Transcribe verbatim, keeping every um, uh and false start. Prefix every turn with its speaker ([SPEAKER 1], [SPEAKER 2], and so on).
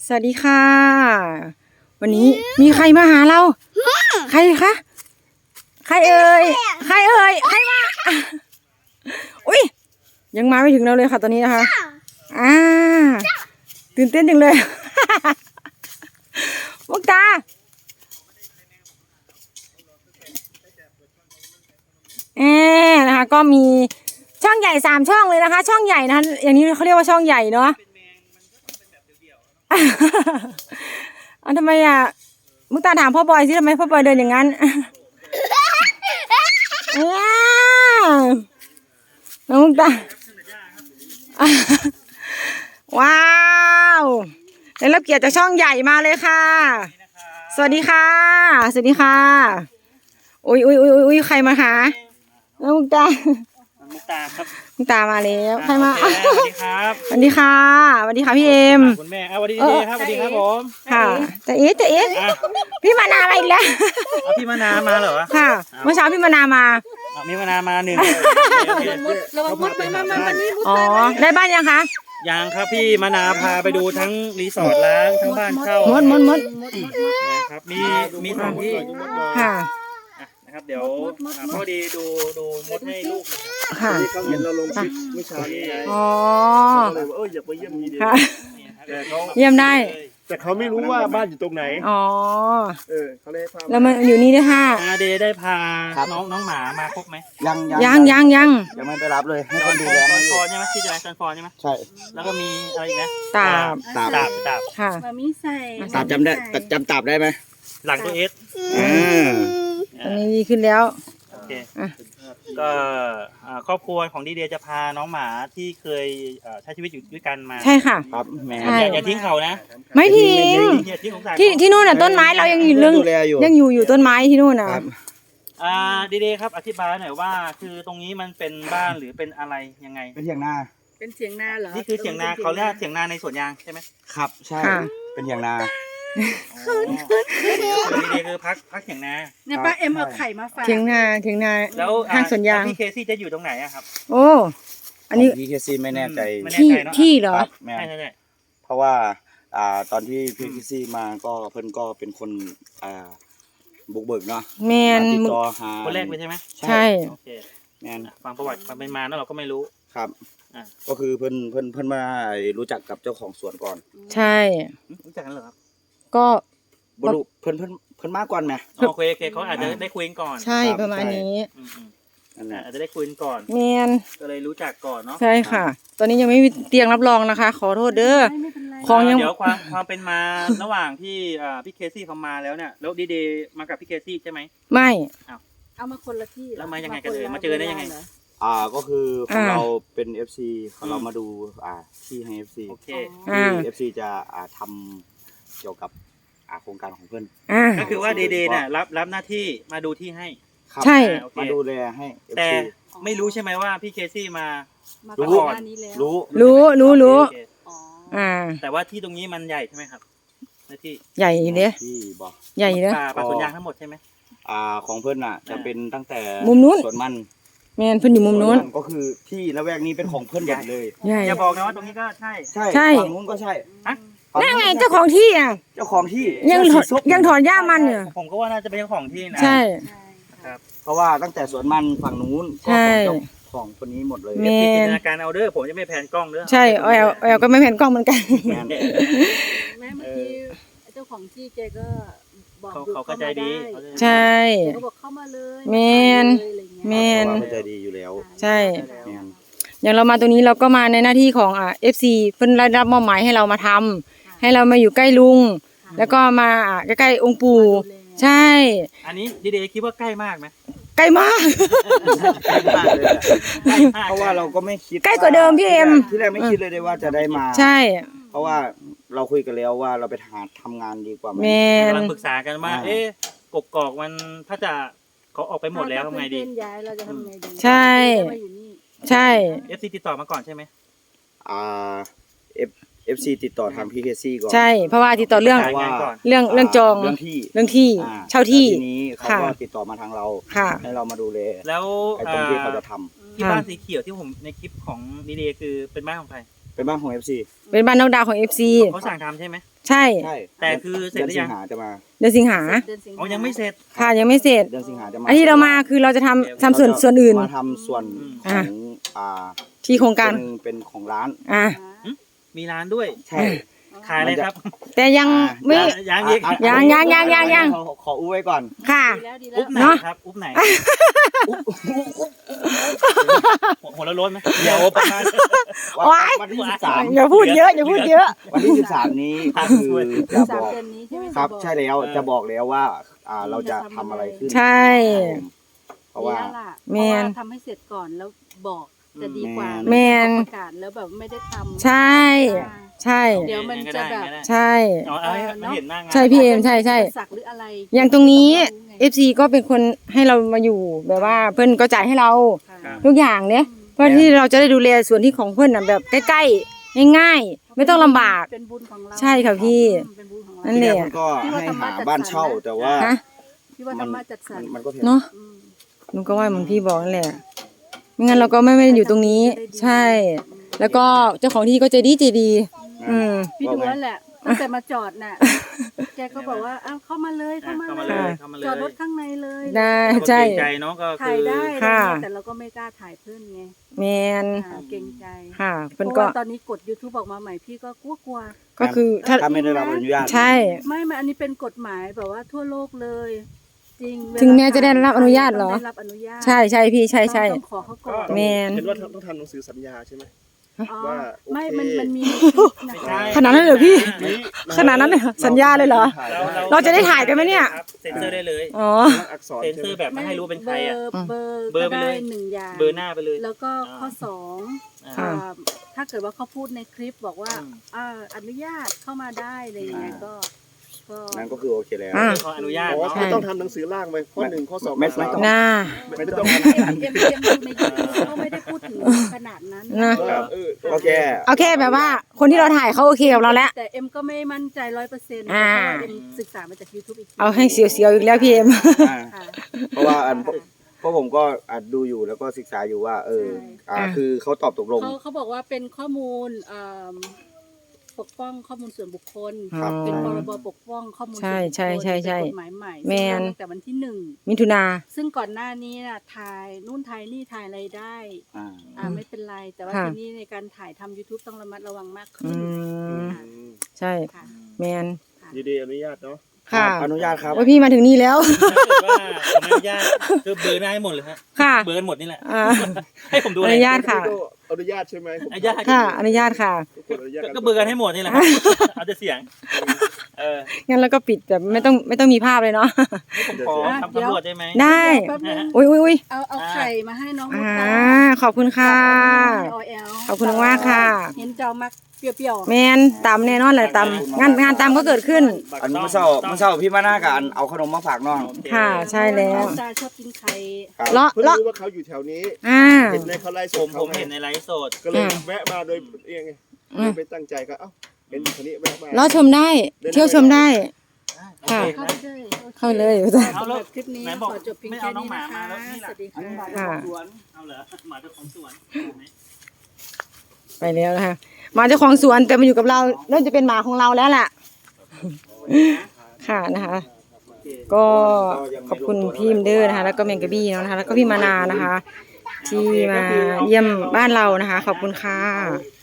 [SPEAKER 1] สวัสดีค่ะวันนี้มีใครมาหาเราใครคะใครเอ่ยใครเอ่ยใครมาอุ้ยยังมาไม่ถึงเราเลยค่ะตอนนี้นะคะอ่าตื่นเต้นจังเลยมุกตาเอ๊นะคะก็มีช่องใหญ่สามช่องเลยนะคะช่องใหญ่นะคะอย่างนี้เขาเรียกว่าช่องใหญ่เนาะอันทำไมอ่ะมุกตาถามพ่อบอยสิทำไมพ่อบอยเดินอย่างนั้นน้องมุกตาว้าวได้รับเกียรติจากช่องใหญ่มาเลยค่ะสวัสดีค่ะสวัสดีค่ะอุ้ยอุ้ยอุ้ยอุ้ยใครมาหาน้องมุกตา
[SPEAKER 2] มุกตาครับ
[SPEAKER 1] มุกตามาแล้วใครมา
[SPEAKER 2] สวัสดีครับ
[SPEAKER 1] สวัสดีค่ะสวัสดีค่ะพี่เอ็ม
[SPEAKER 2] คุณแม่สวัสดีดีครับสวัสดีครับผม
[SPEAKER 1] ค่ะจะเอ๊ะจะเอ๊ะพี่มานามาอีกแล้ว
[SPEAKER 2] พี่มานามาเหรอ
[SPEAKER 1] ค่ะเมื่อเช้าพี่มานามา
[SPEAKER 2] พี่มานามาหนึ่ง
[SPEAKER 3] ระวังมดไปมามาวันนี้
[SPEAKER 1] อ๋อได้บ้านยังคะ
[SPEAKER 2] ยังครับพี่มานาพาไปดูทั้งรีสอร์ทล้างทั้งบ้านเช่าม
[SPEAKER 1] ดมดมด
[SPEAKER 2] นะครับมีมีสองที่
[SPEAKER 1] ค่ะ
[SPEAKER 2] นะครับเดี๋ยวพอดีดูดูมดให้ลูก
[SPEAKER 1] ค่ะ
[SPEAKER 3] เขาเห็นเราลงคลิปเมื่อเช้านี้ไง
[SPEAKER 1] อ๋อ
[SPEAKER 3] เลยว่าเอออยากไปเยี่ยมนี่ดี
[SPEAKER 1] เยี่ยมได้
[SPEAKER 3] แต่เขาไม่รู้ว่าบ้านอยู่ตรงไหน
[SPEAKER 1] อ๋อ
[SPEAKER 3] เออเขาเลยพา
[SPEAKER 1] แล้วมันอยู่นี่ด้วยค่ะ
[SPEAKER 2] เดย์ได้พาน้องน้องหมามาครบไหม
[SPEAKER 3] ยัง
[SPEAKER 1] ยังยังยัง
[SPEAKER 3] ยังไม่ไปรับเลยให้คนดูแล
[SPEAKER 2] ซันฟอนใช่ไหมที่จะซันฟอนใช่ไหม
[SPEAKER 3] ใช่
[SPEAKER 2] แล้วก็มีอะไรอีกนะ
[SPEAKER 1] ตาบ
[SPEAKER 2] ตาบตาบตาบ
[SPEAKER 1] ค่ะ
[SPEAKER 3] มีใส่
[SPEAKER 4] ตาบจำได้จำตาบได้ไหม
[SPEAKER 2] หลังตัวเอส
[SPEAKER 1] ตอนนี้ดีขึ้นแล้ว
[SPEAKER 2] โอเคก็ครอบครัวของดีเดียจะพาน้องหมาที่เคยใช้ชีวิตอยู่ด้วยกันมา
[SPEAKER 1] ใช่ค่ะ
[SPEAKER 4] ครับแม่
[SPEAKER 2] อย่าทิ้งเขานะ
[SPEAKER 1] ไม่ทิ้งที่ที่นู่นน่ะต้นไม้เรายังอยู่เรื่องยังอยู่อยู่ต้นไม้ที่นู่นน่ะ
[SPEAKER 2] อ่าดีเดียครับอธิบายหน่อยว่าคือตรงนี้มันเป็นบ้านหรือเป็นอะไรยังไง
[SPEAKER 4] เป็นเถียงนา
[SPEAKER 3] เป็นเถียงนาเหรอ
[SPEAKER 2] นี่คือเถียงนาเขาเรียกเถียงนาในสวนยางใช่ไหม
[SPEAKER 4] ครับใช่เป็นเถียงนา
[SPEAKER 2] ดีเดียคือพักพักเถียงนา
[SPEAKER 3] เนี่ยป้าเอ็มเอาไข่มาฝาก
[SPEAKER 1] เถียงนาเถียงนา
[SPEAKER 2] แล้ว
[SPEAKER 1] ข้างสวนยาง
[SPEAKER 2] พี่เคซี่จะอยู่ตรงไหนอะครับ
[SPEAKER 1] โอ้อันนี้
[SPEAKER 4] พี่เคซี่ไม่แน่ใจ
[SPEAKER 1] ที่ที่เหรอ
[SPEAKER 4] แม่เพราะว่าอ่าตอนที่พี่เคซี่มาก็เพิ่นก็เป็นคนอ่าบุกเบิกเนาะ
[SPEAKER 1] แมน
[SPEAKER 4] ติดต่อหา
[SPEAKER 2] คนแรกเลยใช่ไหม
[SPEAKER 1] ใช่
[SPEAKER 2] โอเคแมนฟังประวัติความเป็นมาแล้วเราก็ไม่รู้
[SPEAKER 4] ครับก็คือเพิ่นเพิ่นเพิ่นมารู้จักกับเจ้าของสวนก่อน
[SPEAKER 1] ใช่
[SPEAKER 2] รู้จักกันเหรอครับ
[SPEAKER 1] ก็
[SPEAKER 4] บรุเพิ่นเพิ่นเพิ่นมาก่อนไหม
[SPEAKER 2] โอเคโอเคเขาอาจจะได้คุยกันก่อน
[SPEAKER 1] ใช่ประมาณนี้
[SPEAKER 2] นั่นแหละอาจจะได้คุยกันก่อน
[SPEAKER 1] แมน
[SPEAKER 2] ก็เลยรู้จักก่อนเนาะ
[SPEAKER 1] ใช่ค่ะตอนนี้ยังไม่มีเตียงรับรองนะคะขอโทษเด้อ
[SPEAKER 2] ของยังเดี๋ยวความความเป็นมาระหว่างที่พี่เคซี่เขามาแล้วเนี่ยแล้วดีเดย์มากับพี่เคซี่ใช่ไหม
[SPEAKER 1] ไม่
[SPEAKER 3] เอามาคนละที่
[SPEAKER 2] แล้วมายังไงกันเลยมาเจอได้ยังไง
[SPEAKER 4] อ่าก็คือของเราเป็น เอฟ ซีของเรามาดูอ่าที่ให้ เอฟ ซี
[SPEAKER 2] โอเค
[SPEAKER 4] ที่ เอฟ ซี จะอ่าทำเกี่ยวกับอ่าโครงการของเพื่อน
[SPEAKER 2] ก็คือว่าดีเดย์เนี่ยรับรับหน้าที่มาดูที่ให้
[SPEAKER 1] ใช่
[SPEAKER 4] มาดูแลให้
[SPEAKER 2] แต่ไม่รู้ใช่ไหมว่าพี่เคซี่มา
[SPEAKER 4] รู้รู้
[SPEAKER 1] รู้รู้รู้อ่า
[SPEAKER 2] แต่ว่าที่ตรงนี้มันใหญ่ใช่ไหมครับหน้าที่
[SPEAKER 1] ใหญ่เนี่ย
[SPEAKER 4] ที่บอก
[SPEAKER 1] ใหญ่เนี่ย
[SPEAKER 2] ป่าสวนยางทั้งหมดใช่ไหม
[SPEAKER 4] อ่าของเพื่อนอ่ะจะเป็นตั้งแต่
[SPEAKER 1] มุมนู้น
[SPEAKER 4] สวนมัน
[SPEAKER 1] แมนเพื่อนอยู่มุมนู้น
[SPEAKER 4] ก็คือที่ละแวกนี้เป็นของเพื่อนใหญ่เลย
[SPEAKER 2] อย่าบอกนะว่าตรงนี้ก็ใช่
[SPEAKER 4] ใช่ฝั่งนู้นก็ใช่
[SPEAKER 1] นั่นไงเจ้าของที่อ่ะ
[SPEAKER 4] เจ้าของที่
[SPEAKER 1] ยังยังถอนหญ้ามันเนี่ย
[SPEAKER 2] ผมก็ว่าน่าจะเป็นเจ้าของที่นะ
[SPEAKER 1] ใช่
[SPEAKER 2] ครับ
[SPEAKER 4] เพราะว่าตั้งแต่สวนมันฝั่งนู้น
[SPEAKER 1] ใช่
[SPEAKER 4] ของคนนี้หมดเลย
[SPEAKER 2] เอฟจินตนาการเอาเด้อผมจะไม่แผนกล้องเด้อ
[SPEAKER 1] ใช่แอลแอลก็ไม่แผนกล้องเหมือนกัน
[SPEAKER 3] แม่เมื่อกี้เจ้าของที่แกก็บอก
[SPEAKER 2] เขาก็ใจดี
[SPEAKER 1] ใช่
[SPEAKER 3] เขาบอกเข้ามาเลย
[SPEAKER 1] แมนแมน
[SPEAKER 4] ใจดีอยู่แล้ว
[SPEAKER 1] ใช่อย่างเรามาตรงนี้เราก็มาในหน้าที่ของอ่าเอฟซีเพิ่นได้รับมอบหมายให้เรามาทำให้เรามาอยู่ใกล้ลุงแล้วก็มาใกล้ๆองค์ปู่ใช่
[SPEAKER 2] อันนี้ดีเดย์คิดว่าใกล้มากไหม
[SPEAKER 1] ใกล้มาก
[SPEAKER 4] เพราะว่าเราก็ไม่คิด
[SPEAKER 1] ใกล้กว่าเดิมพี่เอ็ม
[SPEAKER 4] ที่แรกไม่คิดเลยว่าจะได้มา
[SPEAKER 1] ใช่
[SPEAKER 4] เพราะว่าเราคุยกันแล้วว่าเราไปหาทำงานดีกว่าไหม
[SPEAKER 2] กำลังปรึกษากันว่าเอ๊ะกกอกมันถ้าจะเขาออกไปหมดแล้วทำไงดี
[SPEAKER 3] ย้ายเราจะทำไงดี
[SPEAKER 1] ใช่ใช่
[SPEAKER 2] เอฟซีติดต่อมาก่อนใช่ไหม
[SPEAKER 4] อ่าเอฟเอฟซีติดต่อทางพีเคซีก่อน
[SPEAKER 1] ใช่เพราะว่าติดต่อเรื่องเรื่องเรื่องจอง
[SPEAKER 4] เรื่องที่
[SPEAKER 1] เรื่องที่เช่าที่
[SPEAKER 4] ทีนี้เขาก็ติดต่อมาทางเราให้เรามาดูแล
[SPEAKER 2] แล้ว
[SPEAKER 4] ไอ้ตรงที่เขาจะท
[SPEAKER 2] ำที่บ้านสีเขียวที่ผมในคลิปของดีเดย์คือเป็นบ้านของใคร
[SPEAKER 4] เป็นบ้านของเอฟซี
[SPEAKER 1] เป็นบ้านน้องดาวของเอฟซี
[SPEAKER 2] เขาสั่งทำใช่ไหม
[SPEAKER 1] ใช่
[SPEAKER 4] ใช่
[SPEAKER 2] แต่คือเสร็จหรือยัง
[SPEAKER 4] ดือนสิงหาจะมา
[SPEAKER 1] เดือนสิงหา
[SPEAKER 3] เดือนสิงหา
[SPEAKER 2] อ๋อยังไม่เสร็จ
[SPEAKER 1] ค่ะยังไม่เสร็จ
[SPEAKER 4] เดือนสิงหาจะมา
[SPEAKER 1] อันที่เรามาคือเราจะทำทำส่วนส่วนอื่น
[SPEAKER 4] มาทำส่วนข
[SPEAKER 1] อ่ะ
[SPEAKER 4] องอ่า
[SPEAKER 1] ที่โครงการ
[SPEAKER 4] เป็นเป็นของร้าน
[SPEAKER 1] อ่ะ
[SPEAKER 2] มีร้านด้วย
[SPEAKER 4] ใช่
[SPEAKER 2] ขายอะไรครับ
[SPEAKER 1] แต่ยังไม่
[SPEAKER 2] ยังอีก
[SPEAKER 4] อ่ะ
[SPEAKER 1] ยังยังยังยังยัง
[SPEAKER 4] ขอขออู้ไว้ก่อน
[SPEAKER 1] ค่ะ
[SPEAKER 3] ดีแล้วดีแล้
[SPEAKER 2] อุ๊
[SPEAKER 3] ว
[SPEAKER 2] บไหน
[SPEAKER 1] เนอะ
[SPEAKER 2] ครับอุ๊บไหนหัวละร้นไหมเดี๋ยวประมาณ
[SPEAKER 1] ว้าย
[SPEAKER 4] วันที่สิบสาม
[SPEAKER 1] อย่าพูดเยอะอย่าพูดเยอะ
[SPEAKER 4] วันที่สิบสามนี้ก็คือจะ
[SPEAKER 3] สาม
[SPEAKER 4] บอก
[SPEAKER 3] เดือนนี้ใช่ไหม
[SPEAKER 4] ครับ
[SPEAKER 3] จะอก
[SPEAKER 4] ใช่แล้วจะบอกแล้วว่า อ่าเราจะทำอะไรขึ้น
[SPEAKER 1] ใช่
[SPEAKER 4] เพราะว่า
[SPEAKER 3] ดีแล้ล่ะ
[SPEAKER 1] แมน
[SPEAKER 3] เพราะว่าทำให้เสร็จก่อนแล้วบอกจะดีกว่า
[SPEAKER 1] แมน
[SPEAKER 3] ประกาศแล้วแบบไม่ได้ทำ
[SPEAKER 1] ใช่
[SPEAKER 3] อ่า
[SPEAKER 1] ใช่
[SPEAKER 3] เดี๋ยวมันจะแบบ
[SPEAKER 1] ใช่
[SPEAKER 2] เอาเอาให้มันเห็นหน้างาน
[SPEAKER 1] ใช่พี่เอ็มใช่ใช่
[SPEAKER 3] สักหรืออะไร
[SPEAKER 1] อย่างตรงนี้
[SPEAKER 3] ไง
[SPEAKER 1] เอฟซีก็เป็นคนให้เรามาอยู่แบบว่าเพื่อนก็จ่ายให้เรา
[SPEAKER 3] ค่ะ
[SPEAKER 1] ทุกอย่างเนี่ยเพื่อที่เราจะได้ดูแลส่วนที่ของเพื่อนน่ะแบบใกล้ๆง่ายๆไม่ต้องลำบาก
[SPEAKER 3] เป็นบุญของเรา
[SPEAKER 1] ใช่ค่ะพี่
[SPEAKER 3] อืมเป็นบุญของเรา
[SPEAKER 1] นั่นแหละ
[SPEAKER 4] ที่มันก็ให้หาบ้านเช่าแต่ว่า
[SPEAKER 1] ฮะ
[SPEAKER 3] พี่ว่าธรรมะจัดสรร
[SPEAKER 4] มันก็แพง
[SPEAKER 1] เนาะ
[SPEAKER 3] อืม
[SPEAKER 1] หนูก็ว่าเหมือนพี่บอกนั่นแหละไม่งั้นเราก็ไม่ไม่ได้อยู่ตรงนี้ ใช่ แล้วก็เจ้าของที่ก็ใจดีใจดี อืม
[SPEAKER 3] พี่ดูแล้วแหละตั้งแต่มาจอดน่ะ แกก็บอกว่าอ้าวเข้ามาเลยเข้า
[SPEAKER 2] เข้า
[SPEAKER 3] มา
[SPEAKER 2] มา
[SPEAKER 3] เล
[SPEAKER 2] เลย ยเข้ามาเลย
[SPEAKER 3] จอดรถข้างในเลย
[SPEAKER 1] ได้
[SPEAKER 2] ก็
[SPEAKER 1] ใช่
[SPEAKER 2] เกรงใจเนาะก็
[SPEAKER 3] ถ่า
[SPEAKER 2] คื
[SPEAKER 3] ย
[SPEAKER 2] อ
[SPEAKER 3] ได้อะไร
[SPEAKER 1] ค่ะ
[SPEAKER 3] เงี้ยแต่เราก็ไม่กล้าถ่ายเพื่อนไง
[SPEAKER 1] แมน
[SPEAKER 3] อ่าเกรงใจ
[SPEAKER 1] ค่ะ
[SPEAKER 3] เพ
[SPEAKER 1] เพื่อน
[SPEAKER 3] ราะ
[SPEAKER 1] ก็
[SPEAKER 3] ว่าตอนนี้กด YouTube ออกมาใหม่พี่ก็กลัวกลัว
[SPEAKER 1] ก็คือถ้า
[SPEAKER 4] ถ้าไม่ได้รับอนุญาต
[SPEAKER 1] ใช่
[SPEAKER 3] ๆไม่ไม่อันนี้เป็นกฎหมายแบบว่าทั่วโลกเลย จริง
[SPEAKER 1] ถึงแม้จะได้รับอนุญาตเหรอ
[SPEAKER 3] ต้งได้รับอนุญาต
[SPEAKER 1] ใช่ใช่พี่ใช่ใช่
[SPEAKER 3] ต้องขอเขาก่อน
[SPEAKER 1] แมน
[SPEAKER 5] เห็นว่าต้องทำหนังสือสัญญาใช่ไหม
[SPEAKER 3] อ๋อ
[SPEAKER 5] ว่าโอเค
[SPEAKER 3] ไม่มันมันมีในคลิปนะ
[SPEAKER 2] ไม่
[SPEAKER 3] คะ
[SPEAKER 2] ใช่
[SPEAKER 1] ขนาดนั้นเลยเหรอพี่
[SPEAKER 5] นี้
[SPEAKER 1] ขนาดนั้นเลยเหรอสัญญาเลยเหรอ เราจะได้ถ่ายกันไหมเนี่ย
[SPEAKER 2] ครับเซ็นเซอร์ได้เลย
[SPEAKER 1] อ๋อ
[SPEAKER 5] อักษร
[SPEAKER 2] เซ็น
[SPEAKER 5] ใช่
[SPEAKER 2] เซอร์
[SPEAKER 5] ไหม
[SPEAKER 2] แบบไม่ให้รู้เป็นใครอ่ะ
[SPEAKER 3] เบอร์
[SPEAKER 2] เบอร์ไป
[SPEAKER 3] ก็
[SPEAKER 2] เล
[SPEAKER 3] ได้
[SPEAKER 2] ย
[SPEAKER 3] หนึ่งอย่าง
[SPEAKER 2] เบอร์หน้าไปเลย
[SPEAKER 3] แล้วก็ข้อ
[SPEAKER 2] อ่า
[SPEAKER 3] สอง
[SPEAKER 1] ค่ะ
[SPEAKER 3] อ่าถ้าเกิดว่าเขาพูดในคลิปบอกว่า
[SPEAKER 2] อืม
[SPEAKER 3] อ่าอนุญาตเข้ามาได้อะไรอย่างเงี้ยก็ก็
[SPEAKER 4] นั่นก็คือโอเคแล้ว
[SPEAKER 1] อ่า
[SPEAKER 2] ขออนุญาต
[SPEAKER 5] อ๋อ
[SPEAKER 2] เนาะ
[SPEAKER 5] ไม่ต้องทำหนังสือร่างไปข้อหนึ่งข้อสอง
[SPEAKER 4] ไม่
[SPEAKER 5] ข้อ
[SPEAKER 4] ไม่
[SPEAKER 5] สาม
[SPEAKER 4] ต้อง
[SPEAKER 1] น่า
[SPEAKER 5] ไม่ต้อง
[SPEAKER 3] เอ็มเอ็มเอ็มดูในยูทูบเขาไม่ได้พูดถึงขนาดนั้น
[SPEAKER 1] นะ
[SPEAKER 5] เออเออ
[SPEAKER 4] โอเค
[SPEAKER 1] เอาแค่แบบว่า คนที่เราถ่ายเขาโอเคกับเราแล้ว
[SPEAKER 3] แต่เอ็มก็ไม่มั่นใจร้อยเปอร์เซ็นต์เพ
[SPEAKER 1] อ่า
[SPEAKER 3] ราะว่าเอ็มศึกษามาจาก YouTube อีกที
[SPEAKER 1] เอาให้เสียวๆอีกแล้วพี่เอ็ม
[SPEAKER 4] อ่า
[SPEAKER 3] ค่ะ
[SPEAKER 4] เพราะว่าอันเพราะผมก็อาจดูอยู่แล้วก็ศึกษาอยู่ว่า เออ อ่า
[SPEAKER 1] อ่า
[SPEAKER 4] คือเขาตอบตกลง
[SPEAKER 3] เขาเขาบอกว่าเป็นข้อมูลเอ่อปกป้องข้อมูลส่วนบุคคล
[SPEAKER 4] ครับ
[SPEAKER 3] เป็นพรบปกป้องข้อมูลส่วน
[SPEAKER 1] ใช่
[SPEAKER 3] บุคคล
[SPEAKER 1] ใช่ใช่ใช่
[SPEAKER 3] เป็นกฎหมายใหม่
[SPEAKER 1] แมน
[SPEAKER 3] ซึ่งตั้งแต่วันที่หนึ่ง
[SPEAKER 1] มิถุนา
[SPEAKER 3] ซึ่งก่อนหน้านี้น่ะถ่ายนู่นถ่ายนี่ถ่ายอะไรได้
[SPEAKER 4] อ่า
[SPEAKER 3] อ่าไม่เป็นไร แต่ว่า
[SPEAKER 1] ค่ะ
[SPEAKER 3] ทีนี้ในการถ่ายทำ YouTube ต้องระมัดระวังมาก
[SPEAKER 1] อื
[SPEAKER 3] ขึ้น
[SPEAKER 1] ม
[SPEAKER 3] ค่ะ
[SPEAKER 1] ใช่
[SPEAKER 3] ค่ะ
[SPEAKER 1] แมน
[SPEAKER 3] ค่ะ
[SPEAKER 5] ดีดีอนุญาตเนาะ
[SPEAKER 1] ค่ะ
[SPEAKER 4] อนุญาตครับ
[SPEAKER 1] ว่าพี่มาถึงนี่แล้ว
[SPEAKER 2] ถ้าเกิดว่าผมอนุญาตคือเบอร์หน้าให้หมดเลยฮะ
[SPEAKER 1] ค่ะ
[SPEAKER 2] เบอร์หมดนี่แหละ
[SPEAKER 1] อ่า
[SPEAKER 2] ให้ผมดู
[SPEAKER 1] อ
[SPEAKER 2] อะไร
[SPEAKER 1] นุญาตค่ะ
[SPEAKER 5] อนุญาตใช่ไหม
[SPEAKER 2] อนุญาต
[SPEAKER 1] ค่ะ อนุญาตค่ะ
[SPEAKER 5] ทุกคนอนุญาต
[SPEAKER 2] ก็เบอร์กันให้หมดนี่แหละครับเอาแต่เสียง เออ
[SPEAKER 1] งั้นเราก็ปิดแบบไม่ต้องไม่ต้องมีภาพเลยเนาะ
[SPEAKER 2] ให้ผมขอทำตำรวจได้ไหม
[SPEAKER 1] ได้
[SPEAKER 3] แป๊บนึง
[SPEAKER 1] อุ้ยอุ้ยอุ้ย
[SPEAKER 3] เอาเอาไข่มาให้น้องมุ
[SPEAKER 1] อ่า
[SPEAKER 3] ตา
[SPEAKER 1] ขอบคุณค่ะ
[SPEAKER 3] ออแอล
[SPEAKER 1] ขอบคุณมากค่ะ
[SPEAKER 3] เห็นเจ้ามักเปรี้ยวๆ
[SPEAKER 1] แมนตำแน่นอนแหละตำงานงานตำก็เกิดขึ้น
[SPEAKER 4] อันเมื่อเช้าเมื่อเช้าพี่มาหน้ากับอันเอาขนมมาฝากน้อง
[SPEAKER 2] โอเค
[SPEAKER 1] ค่ะ ใช่แล้ว
[SPEAKER 3] ตาชอบกินไข่
[SPEAKER 4] ครับ
[SPEAKER 1] เลาะ
[SPEAKER 5] เพิ่ง
[SPEAKER 1] เลาะ
[SPEAKER 5] รู้ว่าเขาอยู่แถวนี้
[SPEAKER 1] อ่า
[SPEAKER 5] เห็นในเขาไล่ส
[SPEAKER 2] ผ
[SPEAKER 5] ด
[SPEAKER 2] ม
[SPEAKER 5] เขา
[SPEAKER 2] ผมเห็นในไลฟ์สด
[SPEAKER 5] ก็เลย
[SPEAKER 1] อ่า
[SPEAKER 5] แวะมาโดยเองไง
[SPEAKER 1] อืม
[SPEAKER 5] ไม่ตั้งใจก็เอ้าเห็นอยู่คนนี้แวะมา
[SPEAKER 1] เลาะชมได้ เที่ยวชมได้ ค่ะ
[SPEAKER 2] โอเ
[SPEAKER 3] เข้าไปเลย
[SPEAKER 1] เข้าเลย
[SPEAKER 2] เอาแล้ว
[SPEAKER 3] สำหรับคลิปนี้
[SPEAKER 2] ไหน
[SPEAKER 3] ข
[SPEAKER 2] บอก
[SPEAKER 3] อจบเพียง
[SPEAKER 2] ไม่
[SPEAKER 3] แค่
[SPEAKER 2] เอาน้อง
[SPEAKER 3] นี้
[SPEAKER 2] หมา
[SPEAKER 3] นะ
[SPEAKER 2] มา
[SPEAKER 3] คะ
[SPEAKER 2] แล้วนี่
[SPEAKER 3] ส
[SPEAKER 2] ล่ะ
[SPEAKER 3] วัสดีค่ะ
[SPEAKER 1] ค่ะ
[SPEAKER 2] เอาเหรอหมาเจ้าของสวน
[SPEAKER 1] ไปแล้วนะคะหมาเจ้าของสวนแต่มาอยู่กับเราเริ่มจะเป็นหมาของเราแล้วล่ะ ค่ะนะคะ ก็ขอบคุณพี่มเดอร์นะคะ แล้วก็แมงกะบี้เนาะนะคะ แล้วก็พี่มานานะคะ ที่มาเยี่ยมบ้านเรานะคะ ขอบคุณค่ะ